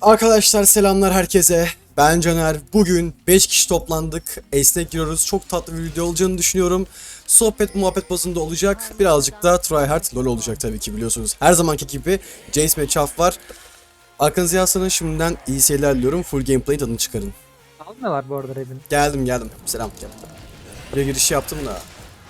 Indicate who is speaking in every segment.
Speaker 1: Arkadaşlar selamlar herkese. Ben Caner. Bugün 5 kişi toplandık. Ace'ne giriyoruz. Çok tatlı bir video olacağını düşünüyorum. Sohbet muhabbet bazında olacak. Birazcık da tryhard lol olacak tabii ki biliyorsunuz. Her zamanki gibi Jace ve Chaff var. Arkanızı yaslanın, şimdiden iyi seyirler diliyorum. Full gameplay tadını çıkarın.
Speaker 2: Almıyorlar bu arada Raven.
Speaker 1: Geldim. Selam. Buraya giriş yaptım da.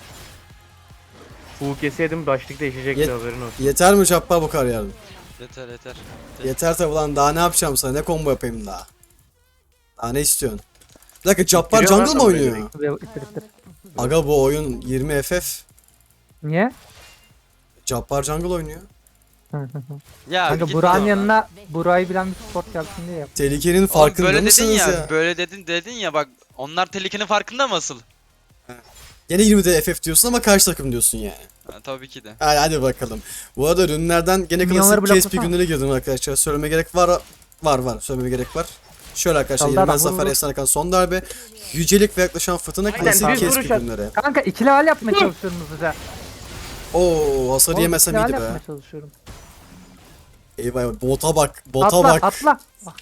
Speaker 3: Full keseydim başlık değişecekti, haberin olsun.
Speaker 1: Yeter mi Chaff'a bu kadar yardım?
Speaker 4: Yeter.
Speaker 1: Yeter tabi lan, daha ne yapacağım sana, ne combo yapayım daha? Daha ne istiyorsun? Bir dakika, Jabbar
Speaker 3: İttiriyor
Speaker 1: jungle
Speaker 3: lan
Speaker 1: mı
Speaker 3: adamı
Speaker 1: oynuyor?
Speaker 2: İttir.
Speaker 1: Aga bu oyun 20 FF.
Speaker 2: Niye?
Speaker 1: Jabbar jungle oynuyor.
Speaker 4: Ya
Speaker 2: Kanka
Speaker 4: git
Speaker 2: Burak'ın
Speaker 4: oradan.
Speaker 2: yanına Buray'ı bilen bir support gelsin diye yap.
Speaker 1: Tehlikenin
Speaker 4: Oğlum
Speaker 1: farkında
Speaker 4: böyle dedin
Speaker 1: mısınız
Speaker 4: ya,
Speaker 1: ya?
Speaker 4: böyle dedin ya bak, onlar tehlikenin farkında mı asıl?
Speaker 1: Yine 20'de FF diyorsun ama karşı takım diyorsun yani.
Speaker 4: Ha, tabii ki de.
Speaker 1: Hadi bakalım. Bu arada ürünlerden gene
Speaker 2: Milyonları
Speaker 1: klasik KSP
Speaker 2: bloklasana.
Speaker 1: günlere girdim arkadaşlar. Söyleme gerek var. Söylememe gerek var. Şöyle arkadaşlar,
Speaker 2: Saldırı
Speaker 1: yenilmez
Speaker 2: adam,
Speaker 1: zafer,
Speaker 2: vur.
Speaker 1: efsane akan son darbe. Yücelik ve yaklaşan fırtına,
Speaker 3: Aynen,
Speaker 1: klasik
Speaker 3: düz
Speaker 1: KSP
Speaker 3: vuruş at.
Speaker 1: günleri.
Speaker 2: Kanka ikili hal yapmaya çalışıyorum hızlıca.
Speaker 1: Oo, hasarı
Speaker 2: Oğlum,
Speaker 1: yemesem
Speaker 2: ikili hal
Speaker 1: iyiydi be.
Speaker 2: yapmaya çalışıyorum.
Speaker 1: Eyvah, bota bak. Bota
Speaker 2: Atla
Speaker 1: bak.
Speaker 2: atla. Bak,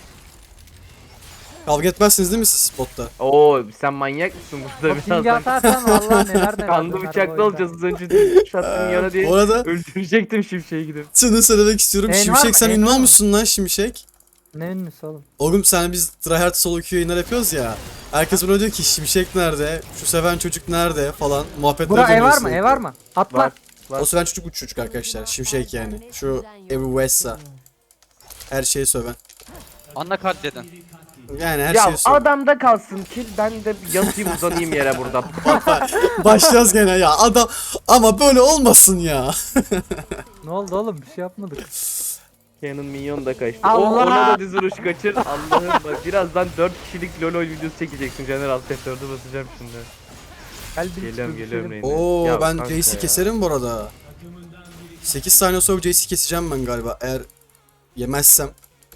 Speaker 1: Kavga etmezsiniz değil mi siz botta?
Speaker 3: Oo, sen manyak mısın burada
Speaker 2: o pingi
Speaker 3: birazdan?
Speaker 2: atarsan valla neler neler.
Speaker 3: Kanlı
Speaker 2: döner bu
Speaker 3: bıçaklı
Speaker 2: oyunda.
Speaker 3: olacağız az önce şattım yana diye
Speaker 1: Bu arada
Speaker 3: öldürecektim Şimşek'e gidip.
Speaker 1: şunu söylemek istiyorum.
Speaker 2: En var
Speaker 1: Şimşek,
Speaker 2: mı?
Speaker 1: sen
Speaker 2: En
Speaker 1: ünlü
Speaker 2: var mı?
Speaker 1: olmuşsun lan Şimşek.
Speaker 2: Ne ünlüsü oğlum?
Speaker 1: Oğlum sen, biz tryhard solo queue yayınlar yapıyoruz ya. Herkes bana diyor ki Şimşek nerede? Şu seven çocuk nerede falan. Muhabbetler
Speaker 2: Burak ev
Speaker 1: dönüyor
Speaker 2: var mı?
Speaker 1: sürekli.
Speaker 2: Ev var mı? Atla.
Speaker 3: Var.
Speaker 1: O seven çocuk, uç çocuk arkadaşlar. Şimşek yani. Şu Evi West'a. Her şeyi söven.
Speaker 4: Anla katleden.
Speaker 1: Yani her
Speaker 3: Ya
Speaker 1: şeyi söven.
Speaker 3: adamda kalsın ki ben de yatayım uzanayım yere burada.
Speaker 1: Başlayacağız gene ya. Adam ama böyle olmasın ya.
Speaker 2: Ne oldu oğlum? Bir şey yapmadık.
Speaker 3: Canon minyon da kaçtı.
Speaker 2: Allah!
Speaker 3: Ona da düz vuruş kaçır. Allah'ım bak, birazdan 4 kişilik LoL videosu çekeceksin Caner, alt F4'ü basacağım şimdi.
Speaker 2: Gel bir
Speaker 3: Geliyorum
Speaker 2: düşürelim.
Speaker 3: Reyna.
Speaker 1: Oo,
Speaker 3: Ya
Speaker 1: ben
Speaker 3: kanka
Speaker 1: Jace'i
Speaker 3: ya.
Speaker 1: keserim bu arada. 8 saniye sonra Jace'i keseceğim ben galiba. Eğer yemezsem.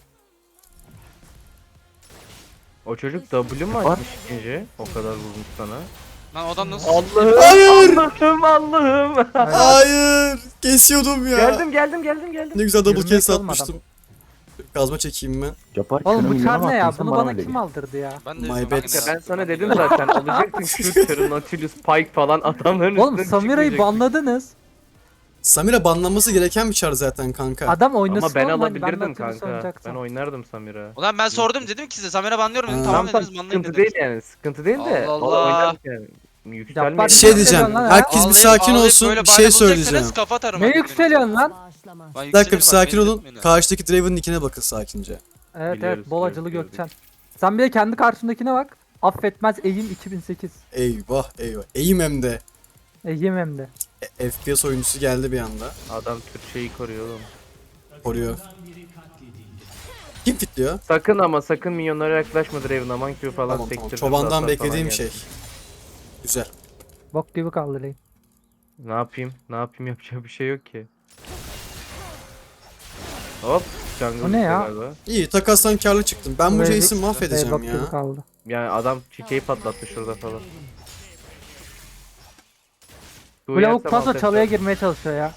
Speaker 3: O çocuk W mu açmış ikinci? O kadar vurmuş sana.
Speaker 4: Lan adam nasıl?
Speaker 3: Allah'ım.
Speaker 1: Hayır!
Speaker 3: Allah'ım.
Speaker 1: Hayır! Kesiyordum ya.
Speaker 3: Geldim.
Speaker 1: Ne güzel double
Speaker 2: Yürümek
Speaker 1: case
Speaker 2: olmadan.
Speaker 1: atmıştım. Kazma çekeyim ben.
Speaker 5: Yapar
Speaker 2: Oğlum bu
Speaker 5: kırmızı
Speaker 2: çar ne ya?
Speaker 5: attın,
Speaker 2: Bunu
Speaker 5: bana
Speaker 2: bana
Speaker 5: öyle
Speaker 2: kim
Speaker 5: gel.
Speaker 2: aldırdı ya?
Speaker 4: Ben de
Speaker 1: My
Speaker 4: ben
Speaker 1: bad.
Speaker 4: de-
Speaker 3: Ya ben sana dedim zaten, alacaktın şu Terran, Nautilus, Pike falan adamların
Speaker 2: Oğlum
Speaker 3: üstüne
Speaker 2: Samira'yı
Speaker 3: çıkmayacaktın.
Speaker 2: banladınız.
Speaker 1: Samira banlanması gereken bir çar zaten kanka.
Speaker 2: Adam oynasın
Speaker 3: Ama ben
Speaker 2: oğlum, hani
Speaker 3: alabilirdim
Speaker 2: Nautilus
Speaker 3: kanka.
Speaker 2: oynayacaksam.
Speaker 3: Ben oynardım Samira.
Speaker 4: Ulan ben sordum, dedim ki size Samir'e banlıyorum dedim,
Speaker 1: Ha.
Speaker 4: tamam
Speaker 3: Tamam
Speaker 4: dediniz, banlayın
Speaker 3: sıkıntı
Speaker 4: dedim.
Speaker 3: değil yani, sıkıntı değil de.
Speaker 4: Allah
Speaker 3: o
Speaker 4: Allah.
Speaker 3: oynardık yani.
Speaker 2: Yapar
Speaker 3: Yükselmeyin.
Speaker 1: Bir şey
Speaker 2: Yükseliyorsun
Speaker 1: diyeceğim.
Speaker 2: lan ya.
Speaker 1: Herkes bir sakin
Speaker 4: Ağlayıp
Speaker 1: olsun.
Speaker 4: böyle
Speaker 1: Bir şey
Speaker 4: bahane
Speaker 1: söyleyeceğim.
Speaker 4: bulacaksanız kafa atarım
Speaker 2: Ne
Speaker 4: artık
Speaker 2: yükseliyorsun lan?
Speaker 4: benim. Ben
Speaker 1: Bir dakika, bir
Speaker 4: yükselirim,
Speaker 1: sakin
Speaker 4: bak, beni
Speaker 1: olun.
Speaker 4: tutmayın.
Speaker 1: Karşıdaki Draven'ın nickine bakın sakince.
Speaker 2: Evet
Speaker 3: Biliyoruz,
Speaker 2: evet bol acılı
Speaker 3: biliyoruz,
Speaker 2: Gökçen. Sen bir de kendi karşındakine bak. Affetmez Eğim 2008.
Speaker 1: Eyvah. Eğim hem de.
Speaker 2: Eğim hem de.
Speaker 1: FPS oyuncusu geldi bir anda.
Speaker 3: Adam Türkçeyi koruyor oğlum.
Speaker 1: Koruyor. Kim fitliyor?
Speaker 3: Sakın minyonlara yaklaşma Draven, aman Q falan
Speaker 1: Tamam.
Speaker 3: sektirdim.
Speaker 1: Çobandan
Speaker 3: zaten
Speaker 1: beklediğim
Speaker 3: falan
Speaker 1: şey.
Speaker 3: geldi.
Speaker 1: Güzel.
Speaker 2: Bok gibi kaldı lane.
Speaker 3: Ne yapayım yapacak bir şey yok ki. Hop. Jungle
Speaker 2: O ne ya?
Speaker 3: galiba.
Speaker 1: İyi, takastan karlı çıktım. Ben bu
Speaker 2: Buraya
Speaker 1: Jace'i mahvedeceğim
Speaker 2: Bok
Speaker 1: ya.
Speaker 2: gibi kaldı.
Speaker 3: Yani adam çiçeği patlattı şurada falan.
Speaker 2: Bu lavuk paso çalıya girmeye çalışıyor ya.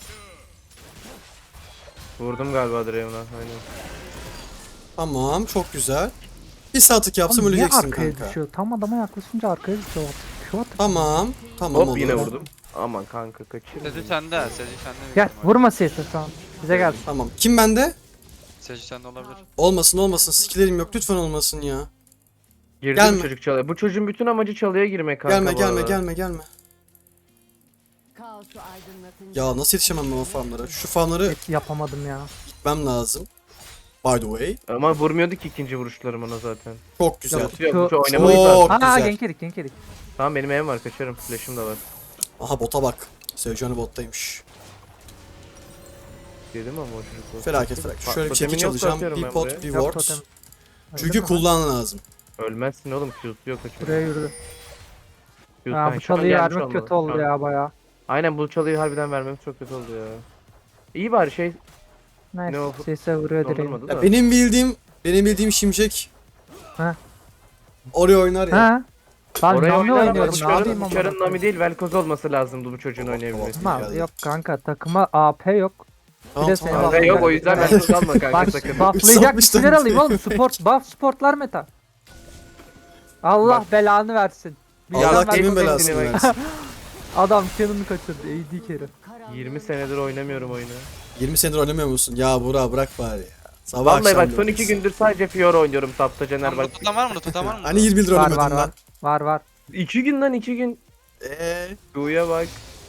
Speaker 3: Vurdum galiba Draven'a, aynen.
Speaker 1: Tamam, çok güzel. Bir saatlik yapsam
Speaker 2: Oğlum niye
Speaker 1: öleceksin
Speaker 2: arkaya
Speaker 1: kanka.
Speaker 2: düşüyor? Tam adama yaklaşınca arkaya düşüyor. Şu at.
Speaker 1: Tamam
Speaker 3: Hop
Speaker 1: olur.
Speaker 3: yine vurdum. Aman kanka kaçır.
Speaker 4: Sezi sende, Sezi sende.
Speaker 2: Gel vurma sesi şu an. Bize gel.
Speaker 1: Tamam. Kim bende?
Speaker 4: Sezi sende olabilir.
Speaker 1: Olmasın. Skillerim yok. Lütfen olmasın ya.
Speaker 3: Girdi
Speaker 1: Gelme.
Speaker 3: bu çocuk çalıya. Bu çocuğun bütün amacı çalıya girmek kanka.
Speaker 1: Gelme. Ya nasıl yetişemem ben o farmlara? Şu farmları
Speaker 2: Hiç yapamadım ya.
Speaker 1: gitmem lazım. By the way.
Speaker 3: Ama vurmuyordu ki ikinci vuruşlarım ona zaten.
Speaker 1: Çok güzel.
Speaker 2: Yok.
Speaker 3: Tutuyor, bu
Speaker 2: Çok
Speaker 3: oynamayı
Speaker 1: Çok
Speaker 3: da.
Speaker 2: Aa
Speaker 1: güzel.
Speaker 2: genk yedik.
Speaker 3: Tamam benim evim var, kaçarım. Flash'ım da var.
Speaker 1: Aha, bota bak. Sevcanı bottaymış.
Speaker 3: Dedim ama o çocuk o.
Speaker 1: Felaket. Şöyle bir
Speaker 3: Totemin
Speaker 1: çekiç
Speaker 3: yoksa
Speaker 1: alacağım.
Speaker 3: atıyorum
Speaker 1: Bir
Speaker 3: ben
Speaker 1: pot,
Speaker 3: buraya.
Speaker 1: bir
Speaker 2: Yok
Speaker 1: ward.
Speaker 2: totem.
Speaker 1: Çünkü
Speaker 2: Öyle mi?
Speaker 1: kullan lazım.
Speaker 3: Ölmezsin oğlum, Q'su yok o çocuğun.
Speaker 2: Buraya yürüdü.
Speaker 3: Q'su
Speaker 2: Ya
Speaker 3: şu an
Speaker 2: bu çalıyı
Speaker 3: gelmiş
Speaker 2: vermek
Speaker 3: olmalı.
Speaker 2: kötü oldu
Speaker 3: Şu an-
Speaker 2: ya baya.
Speaker 3: Aynen, bu çalıyı harbiden vermemiz çok kötü oldu ya. İyi bari şey
Speaker 2: Neyse
Speaker 3: Ne o?
Speaker 2: sese vuruyor direğim.
Speaker 3: dondurmadı da.
Speaker 1: Ya benim bildiğim Şimşek
Speaker 2: Ha.
Speaker 1: oraya oynar ya.
Speaker 2: Ha? Ben
Speaker 3: Oraya
Speaker 2: Nami
Speaker 3: oynar ama
Speaker 2: oynuyorum ne yapayım
Speaker 3: bu
Speaker 2: ama.
Speaker 3: çarın Nami değil, Velkoz olması lazımdı bu çocuğun oynayabilmesi.
Speaker 1: Tamam.
Speaker 2: Yok kanka takıma AP yok.
Speaker 1: Tamam,
Speaker 2: de seni
Speaker 1: tamam.
Speaker 3: Kanka yok o yüzden ben çok alma kanka
Speaker 2: Bak
Speaker 3: sakın.
Speaker 2: bufflayacak bir
Speaker 1: Satmışlar
Speaker 2: şeyler
Speaker 1: bizi.
Speaker 2: alayım oğlum. Buff sportlar meta. Allah
Speaker 3: Bak.
Speaker 2: belanı versin. Bir
Speaker 1: Allah
Speaker 2: adam
Speaker 1: kimin
Speaker 2: versin.
Speaker 1: belasını
Speaker 3: kendine bak.
Speaker 1: versin.
Speaker 2: Adam canını kaçırdı. AD carry.
Speaker 3: 20 senedir oynamıyorum oyunu.
Speaker 1: 20 senedir oynamıyor musun? Ya Burak bırak bari ya. Sabah
Speaker 3: Vallahi
Speaker 1: akşam
Speaker 3: bak son
Speaker 1: diyoruz.
Speaker 3: 2 gündür sadece Fiora oynuyorum tapta Caner
Speaker 4: Lan
Speaker 3: bak.
Speaker 4: burada tutan var mı? Tutan var mı?
Speaker 1: Hani 20 yıldır
Speaker 2: Var
Speaker 1: oynamadın
Speaker 2: var
Speaker 1: lan.
Speaker 2: var. Var.
Speaker 3: 2 gün lan 2 gün. Duya bak.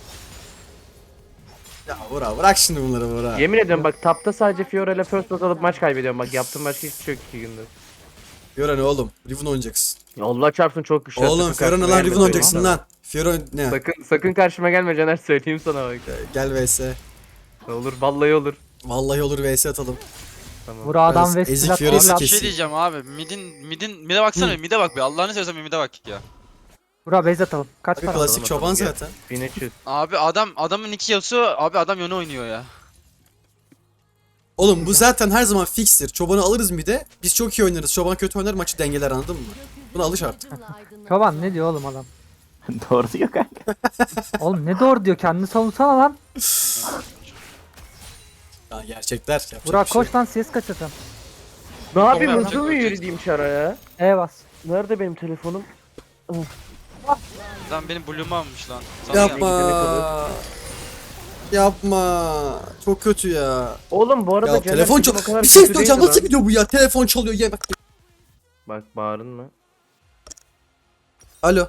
Speaker 1: Ya Burak bırak şimdi bunları Burak.
Speaker 3: Yemin ediyorum bak tapta sadece Fiora ile first blood alıp maç kaybediyorum bak yaptığım başka hiçbir şey yok 2 gündür.
Speaker 1: Fiora ne oğlum? Riven oynayacaksın.
Speaker 3: Ya Allah çarpsın çok güçlü.
Speaker 1: Oğlum
Speaker 3: Sakın
Speaker 1: Fiora ne
Speaker 3: karşıma
Speaker 1: lan
Speaker 3: gelme,
Speaker 1: Riven
Speaker 3: söyleyeyim
Speaker 1: oynayacaksın
Speaker 3: sana.
Speaker 1: lan. Fiora ne?
Speaker 3: Sakın karşıma gelme Caner söyleyeyim sana bak.
Speaker 1: Gel vs.
Speaker 3: Olur vallahi olur.
Speaker 1: Vallahi olur vs atalım.
Speaker 3: Tamam.
Speaker 2: Bura adam ve
Speaker 1: Ezik
Speaker 2: silah
Speaker 1: Fiora'sı
Speaker 2: değil
Speaker 4: Bir
Speaker 2: lan.
Speaker 1: kes.
Speaker 4: şey diyeceğim abi. Mide baksana bir mide bak bir. Allah'ını seversen bir mide bak ya.
Speaker 2: Bura base atalım. Kaç
Speaker 1: Abi
Speaker 2: para?
Speaker 1: klasik
Speaker 3: atalım,
Speaker 1: çoban
Speaker 3: gel.
Speaker 1: zaten.
Speaker 3: 1300.
Speaker 4: Abi adamın iki Yasuo abi adam yönü oynuyor ya.
Speaker 1: Oğlum bu zaten her zaman fikstir. Çobanı alırız bir de. Biz çok iyi oynarız. Çoban kötü oynar maçı dengeler anladın mı? Buna alış artık.
Speaker 2: Çoban ne diyor oğlum adam?
Speaker 5: Doğru diyor kanka.
Speaker 2: Oğlum ne doğru diyor, kendini savunsana lan.
Speaker 1: Ya gerçekler. Yapacak
Speaker 2: Burak
Speaker 1: bir şey yok.
Speaker 2: koş lan, ses kaçırdım.
Speaker 3: Ne yapayım
Speaker 4: Tamam,
Speaker 3: hızlı mı
Speaker 4: yapacak,
Speaker 3: yürüyeyim şaraya?
Speaker 2: Bas.
Speaker 3: Nerede benim telefonum?
Speaker 4: Lan benim Bloom'u almış lan. Sana
Speaker 1: Yapma.
Speaker 4: geldi.
Speaker 1: Yapma. Çok kötü ya.
Speaker 3: Oğlum bu arada
Speaker 1: Ya
Speaker 3: Caner
Speaker 1: telefon
Speaker 3: sesim o
Speaker 1: çal.
Speaker 3: kadar
Speaker 1: Bir şey
Speaker 3: kötü
Speaker 1: söyleyeceğim.
Speaker 3: değildi
Speaker 1: Nasıl
Speaker 3: lan.
Speaker 1: video bu ya? Telefon çalıyor. Ye bak.
Speaker 3: Bak bağırın mı?
Speaker 1: Alo.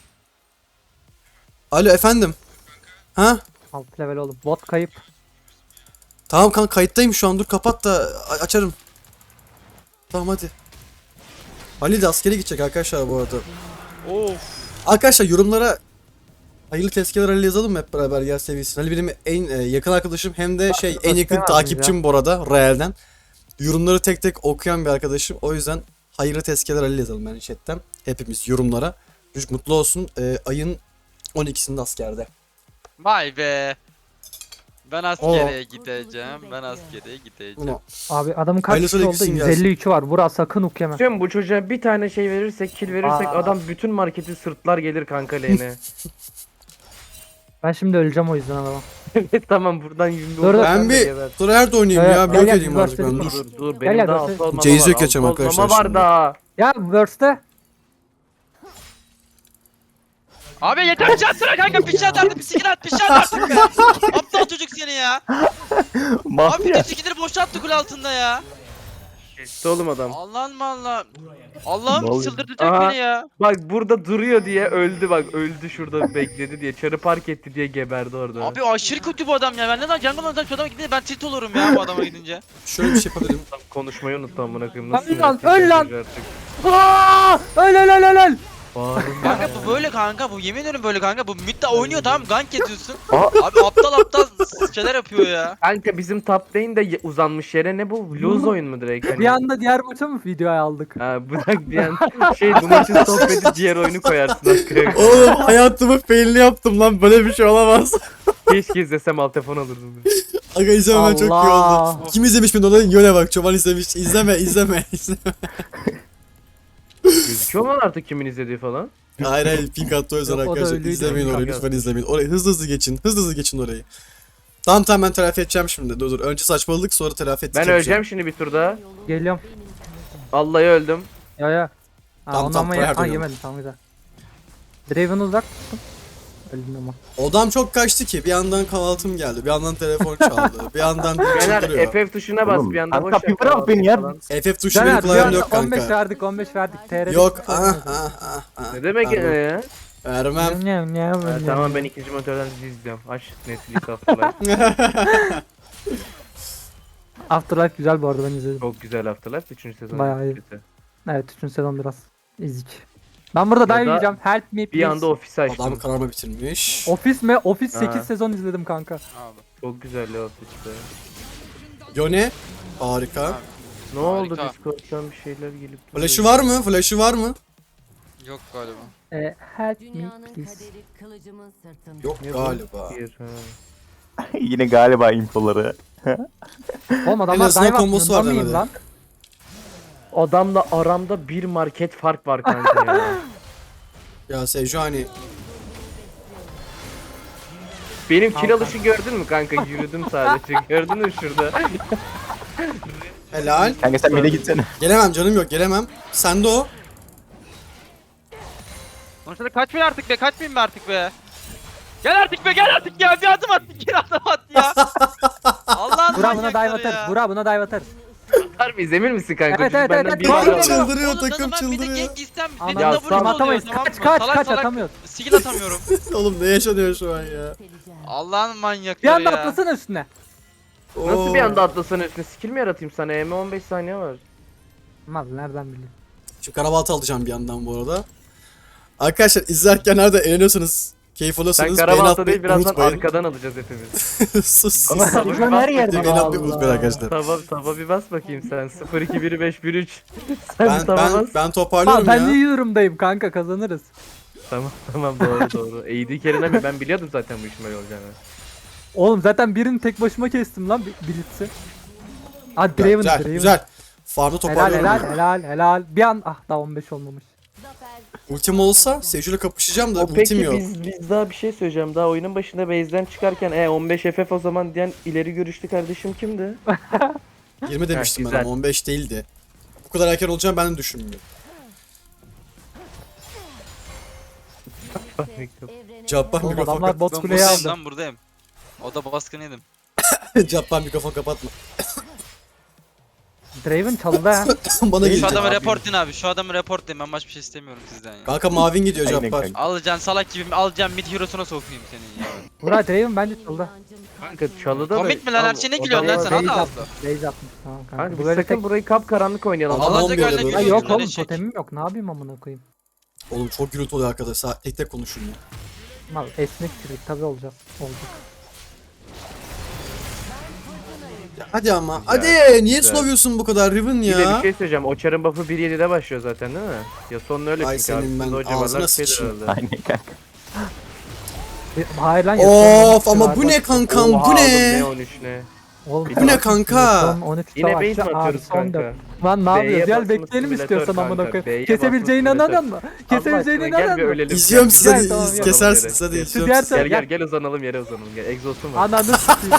Speaker 1: Alo efendim. Ha?
Speaker 2: Alt level oğlum. Bot kayıp.
Speaker 1: Tamam kanka kayıttayım şu an. Dur kapat da açarım. Tamam hadi. Ali de askere gidecek arkadaşlar bu arada.
Speaker 4: Of.
Speaker 1: Arkadaşlar yorumlara hayırlı tezkeler Ali yazalım mı hep beraber yer seviyesine. Ali benim en yakın arkadaşım hem de en yakın
Speaker 2: yazmayın
Speaker 1: takipçim bu arada Real'den. Yorumları tek tek okuyan bir arkadaşım. O yüzden hayırlı tezkeler Ali yazalım yani chatten. Hepimiz yorumlara. Çocuk mutlu olsun. Ayın 12'sinde askerde.
Speaker 4: Vay be. Ben askere gideceğim. Ben askere gideceğim.
Speaker 1: Bunu
Speaker 2: Abi adamın kaç
Speaker 1: Hayırlısı
Speaker 2: kişi oldu?
Speaker 1: gitsin gelsin.
Speaker 2: 153'ü var. Burak sakın hook yeme.
Speaker 3: Tüm bu çocuğa bir tane şey verirsek, kill verirsek
Speaker 2: Aa.
Speaker 3: adam bütün marketi sırtlar gelir kanka lane'e.
Speaker 2: Ben şimdi öleceğim o yüzden adama.
Speaker 3: Evet tamam buradan 20
Speaker 2: Dur, dur.
Speaker 1: ben bir Tryhard oynayayım
Speaker 2: Evet,
Speaker 1: ya.
Speaker 2: gel,
Speaker 1: Blok
Speaker 2: gel,
Speaker 1: edeyim
Speaker 2: biz
Speaker 1: artık ben.
Speaker 2: başladık.
Speaker 1: Dur.
Speaker 3: Dur
Speaker 2: Gel,
Speaker 3: benim
Speaker 2: gel,
Speaker 3: daha
Speaker 2: dur.
Speaker 3: altı olmama
Speaker 1: Jayce'i
Speaker 3: var.
Speaker 1: yok geçeceğim
Speaker 3: altı
Speaker 1: arkadaşlar
Speaker 3: olmama var
Speaker 1: şimdi.
Speaker 3: daha.
Speaker 2: Ya Burst'te.
Speaker 4: Abi yeter bir şey atsana kanka bir şey at artık bir skill at bir şey at artık be. Aptal çocuk seni ya. Abi bir de skillleri boşalttı kule altında ya.
Speaker 3: Geçti oğlum adam.
Speaker 4: Allah'ım Allah. Allah'ım
Speaker 5: Vallahi.
Speaker 4: çıldırtacak
Speaker 3: Aha.
Speaker 4: beni ya.
Speaker 3: Bak burada duruyor diye öldü bak öldü şurada bekledi diye çarı park etti diye geberdi orada.
Speaker 4: Abi aşırı kötü bu adam ya. Ben neden jungle'dan şu adama gidince ben tilt olurum ya bu adama gidince.
Speaker 1: Şöyle bir şey yapabilirim.
Speaker 3: Adam konuşmayı unuttu amına koyayım.
Speaker 2: Lan
Speaker 3: Nasıl
Speaker 2: lan,
Speaker 3: sinirlendim
Speaker 2: öl lan.
Speaker 3: çocuğa artık.
Speaker 2: Aa! Öl.
Speaker 3: Bağırın.
Speaker 4: Kanka bu böyle kanka bu yemin ederim böyle kanka bu midde oynuyor tamam gank ediyorsun. Abi aptal şeyler yapıyor ya.
Speaker 3: Kanka bizim top lane de uzanmış yere ne bu? Lose oyun mu direkt? Hani?
Speaker 2: Bir anda diğer maça mı videoya aldık?
Speaker 3: Ha bırak bir an bu maçın sohbeti diğer oyunu koyarsın arkaya.
Speaker 1: Oğlum hayatımı failini yaptım lan. Böyle bir şey olamaz.
Speaker 3: Keşke izlesem alt telefon alırdım.
Speaker 1: Aga izlemem çok iyi
Speaker 2: Allah.
Speaker 1: oldu. Kim izlemiş beni ona yöne bak. Çoban izlemiş. İzleme.
Speaker 3: Gözüküyor mu lan artık kimin izlediği falan?
Speaker 1: Hayır pink attı o yüzden
Speaker 2: Yok, o da
Speaker 1: arkadaşlar.
Speaker 2: öyleydi,
Speaker 1: İzlemeyin
Speaker 2: pink
Speaker 1: orayı
Speaker 3: attı.
Speaker 1: lütfen izlemeyin. Orayı hızlı geçin. Hızlı geçin orayı. Tamam ben telafi edeceğim şimdi. Dur. Önce saçmaladık sonra telafi edeceğim.
Speaker 3: Ben öleceğim şimdi bir turda.
Speaker 2: Geliyorum.
Speaker 3: Vallahi öldüm.
Speaker 2: Ya.
Speaker 1: Tamam,
Speaker 2: Ondan
Speaker 1: tamam,
Speaker 2: mı
Speaker 1: Tryhard
Speaker 2: ha
Speaker 1: oynuyorum.
Speaker 2: yemedim, tamam güzel. Draven'ı uzak tuttum. Öldüm ama.
Speaker 1: Odam çok kaçtı ki. Bir yandan kahvaltım geldi. Bir yandan telefon çaldı. Bir yandan
Speaker 3: Caner
Speaker 1: çıldırıyor.
Speaker 3: FF tuşuna bas bir anda
Speaker 5: Kanka
Speaker 3: boş
Speaker 5: bir bırak beni ya.
Speaker 1: FF tuşu benim
Speaker 2: Caner bir
Speaker 1: klavyem
Speaker 2: anda
Speaker 1: yok
Speaker 2: 15
Speaker 1: kanka.
Speaker 2: verdik 15 verdik. TR'de
Speaker 1: Yok.
Speaker 2: hiç sorun yok.
Speaker 3: Ne demek
Speaker 1: Pardon.
Speaker 3: ya?
Speaker 1: Vermem.
Speaker 3: Ha, tamam ben ikinci monitörden dizi izliyorum. Aç Netflix Afterlife.
Speaker 2: Afterlife güzel bu arada, ben izledim.
Speaker 3: Çok güzel Afterlife. 3. sezon.
Speaker 2: Bayağı iyi.
Speaker 3: kötü.
Speaker 2: Evet 3. sezon biraz ezik. Ben burada dive
Speaker 3: da
Speaker 2: yiyeceğim. Help me please.
Speaker 3: Bir anda ofisi açtım.
Speaker 1: Adam kararma bitirmiş.
Speaker 2: Ofis mi? Ofis 8
Speaker 3: Ha.
Speaker 2: sezon izledim kanka.
Speaker 4: Abi.
Speaker 3: Çok güzel ya ofiste.
Speaker 1: Yone. Harika.
Speaker 3: Ne oldu
Speaker 4: Harika.
Speaker 3: Discord'dan bir şeyler gelip
Speaker 1: Flash'ı var mı? Flash'ı var mı?
Speaker 4: Yok galiba.
Speaker 2: Help me
Speaker 6: Dünyanın
Speaker 2: please.
Speaker 6: kaderi kılıcımın sırtında.
Speaker 1: Yok
Speaker 3: Ne bu?
Speaker 1: galiba.
Speaker 3: Bir, ha.
Speaker 5: Yine galiba infoları.
Speaker 2: Oğlum
Speaker 1: En
Speaker 2: adamlar
Speaker 1: azından
Speaker 2: dive
Speaker 1: kombosu var
Speaker 2: atmıyor mıyım
Speaker 1: demedi.
Speaker 2: lan?
Speaker 3: Adamla aramda bir market fark var kanka ya.
Speaker 1: Ya Sejuani.
Speaker 3: Benim kill alışı gördün mü kanka? Yürüdüm sadece. Gördün mü şurada?
Speaker 1: Helal.
Speaker 5: Kanka sen mid'e gitsene.
Speaker 1: Gelemem canım yok gelemem. Sende o.
Speaker 4: Sonuçta kaçmayın artık be, kaçmayın be artık be. Gel artık be, gel artık ya. Bir adım at, bir adım at ya. Allah'ın
Speaker 2: Burak buna
Speaker 4: manyakları
Speaker 2: dive atarız.
Speaker 4: ya.
Speaker 2: Burak buna dive atarız.
Speaker 3: Atar mıyız emin misin kanka?
Speaker 2: Evet,
Speaker 3: Çocuk
Speaker 2: evet,
Speaker 3: benden
Speaker 2: evet,
Speaker 3: bir
Speaker 2: evet.
Speaker 3: var.
Speaker 1: Çıldırıyor,
Speaker 4: Oğlum,
Speaker 1: takım
Speaker 4: ben bir de
Speaker 1: çıldırıyor.
Speaker 4: gank istem,
Speaker 2: Ana,
Speaker 4: dedim
Speaker 3: ya
Speaker 4: de
Speaker 3: tamam,
Speaker 4: vuruş oluyor,
Speaker 2: atamayız.
Speaker 4: tamam
Speaker 2: Kaç,
Speaker 4: mı?
Speaker 2: kaç,
Speaker 4: Salak
Speaker 2: kaç,
Speaker 4: salak
Speaker 2: atamıyoruz.
Speaker 4: skill atamıyorum.
Speaker 1: Oğlum ne yaşanıyor şu an ya?
Speaker 4: Allah'ın
Speaker 2: Bir
Speaker 4: manyakları
Speaker 2: anda
Speaker 4: ya.
Speaker 2: atlasana üstüne.
Speaker 3: Nasıl bir anda atlasana üstüne? Skill mi yaratayım sana? EM 15 saniye var.
Speaker 2: Mal nereden bileyim.
Speaker 1: Şu karabaltı alacağım bir yandan bu arada. Arkadaşlar izlerken nerede eğleniyorsanız, keyif
Speaker 3: Sen
Speaker 1: alıyorsanız beğeni
Speaker 3: karabalta
Speaker 1: atmayı
Speaker 3: değil birazdan
Speaker 1: unutmayın.
Speaker 3: arkadan alacağız hepimiz.
Speaker 1: Sus sus.
Speaker 2: Ama televizyon her yerde.
Speaker 1: Beğeni atmayı unutmayın arkadaşlar.
Speaker 3: Taba bir bas bakayım sen. 0 2 1 5 1 3. Sen
Speaker 1: Ben,
Speaker 3: bir taba bas.
Speaker 1: ben toparlıyorum
Speaker 2: Ben
Speaker 1: ya.
Speaker 2: iyi durumdayım kanka, kazanırız.
Speaker 3: Tamam doğru. AD carry'ne ben biliyordum zaten bu işin böyle olacağını.
Speaker 2: Oğlum zaten birini tek başıma kestim lan Blitz'i. Hadi
Speaker 1: Güzel,
Speaker 2: Draven,
Speaker 1: güzel,
Speaker 2: Draven.
Speaker 1: güzel. Farmı
Speaker 2: Helal
Speaker 1: toparlıyorum.
Speaker 2: helal. Bir an daha 15 olmamış.
Speaker 1: Ultim olsa Seju'yla kapışacağım da
Speaker 3: O
Speaker 1: ultim
Speaker 3: peki
Speaker 1: yok.
Speaker 3: biz daha bir şey söyleyeceğim. Daha oyunun başında base'den çıkarken 15 FF o zaman diyen ileri görüşlü kardeşim kimdi?
Speaker 1: 20 demiştim ben
Speaker 3: güzel.
Speaker 1: ama 15 değildi. Bu kadar erken olacağını ben de düşünmüyorum. Cabbar
Speaker 2: Oğlum
Speaker 1: mikrofon
Speaker 2: adamlar bot
Speaker 4: Ben
Speaker 2: kuleyi
Speaker 4: buradayım
Speaker 2: aldı.
Speaker 4: lan, buradayım. O da baskın yedim.
Speaker 1: Cabbar mikrofon kapatma.
Speaker 2: Draven çaldı ha.
Speaker 1: Bana
Speaker 4: Şu
Speaker 1: gelecek.
Speaker 4: adamı reportlayın abi, şu adamı reportlayın, ben başka bir şey istemiyorum sizden ya.
Speaker 1: Kanka mavin gidiyor
Speaker 5: Aynen
Speaker 1: Cabbar.
Speaker 5: kanka.
Speaker 4: Alacaksın salak gibi, alacaksın mid hero'suna sokayım seni ya.
Speaker 2: Burak Draven bence çaldı.
Speaker 3: Kanka çalıda da...
Speaker 4: Komik mi lan, her şeyine gülüyorsun lan sen,
Speaker 2: Base
Speaker 4: hadi
Speaker 2: atmış.
Speaker 4: ağzına.
Speaker 2: Base atmış. Tamam kanka.
Speaker 3: Kanka
Speaker 2: Bu
Speaker 3: biz
Speaker 2: böyle
Speaker 3: sakın
Speaker 2: tek...
Speaker 3: burayı kapkaranlık oynayalım.
Speaker 1: Allah
Speaker 4: Alacak
Speaker 1: olmuyor
Speaker 4: öyle
Speaker 1: böyle.
Speaker 2: Ha
Speaker 4: gülüyor.
Speaker 2: yok oğlum,
Speaker 4: Öyle
Speaker 2: totemim yok. Ne yapayım amına koyayım?
Speaker 1: Oğlum çok gürültü oluyor arkadaşlar. Tek tek konuşun ya.
Speaker 2: Mal esnek çürük tabi olacağız. Olacak.
Speaker 1: Hadi ama.
Speaker 3: Güzel,
Speaker 1: Hadi. Niye
Speaker 3: güzel.
Speaker 1: slow'uyorsun bu kadar Riven
Speaker 3: Bir de bir
Speaker 1: ya?
Speaker 3: şey söyleyeceğim. O çarın buff'ı 1.7'de başlıyor zaten değil mi? Ya sonun öyle
Speaker 1: Ay
Speaker 3: çünkü
Speaker 1: senin
Speaker 3: abi.
Speaker 1: ben
Speaker 3: O civarlar
Speaker 1: ağzına
Speaker 3: bir şeydir
Speaker 1: sıçayım.
Speaker 3: herhalde.
Speaker 5: Aynen kanka.
Speaker 2: Hayır lan
Speaker 1: Of ama bu ne kankam
Speaker 3: Oha
Speaker 1: bu
Speaker 3: oğlum,
Speaker 1: ne?
Speaker 3: ne 13 ne?
Speaker 2: Oğlum,
Speaker 3: Bu ne
Speaker 1: kanka?
Speaker 2: Son 13
Speaker 3: Yine
Speaker 2: savaşçı,
Speaker 3: base mi
Speaker 2: abi,
Speaker 3: atıyoruz
Speaker 2: son
Speaker 3: kanka?
Speaker 2: dört. Lan ne
Speaker 3: B'ye
Speaker 2: yapıyoruz? Gel
Speaker 3: basmış
Speaker 2: bekleyelim
Speaker 3: simülatör
Speaker 2: istiyorsan amına
Speaker 3: kanka,
Speaker 2: koyayım.
Speaker 3: B'ye
Speaker 2: Kesebileceğine
Speaker 3: basmış
Speaker 2: inanın mı? Kesebileceğine
Speaker 3: Allah aşkına
Speaker 2: inanın
Speaker 3: gel bir
Speaker 2: mı?
Speaker 3: ölelim.
Speaker 1: İzliyorum
Speaker 3: Gel,
Speaker 1: size
Speaker 2: Gel,
Speaker 1: de
Speaker 2: tamam, gel.
Speaker 1: kesersiniz hadi
Speaker 3: Gel.
Speaker 1: izliyorum
Speaker 2: diğer
Speaker 1: sizi.
Speaker 3: Gel gel gel uzanalım yere uzanalım gel. Exhaust'um var.
Speaker 2: Ananı s**eyim.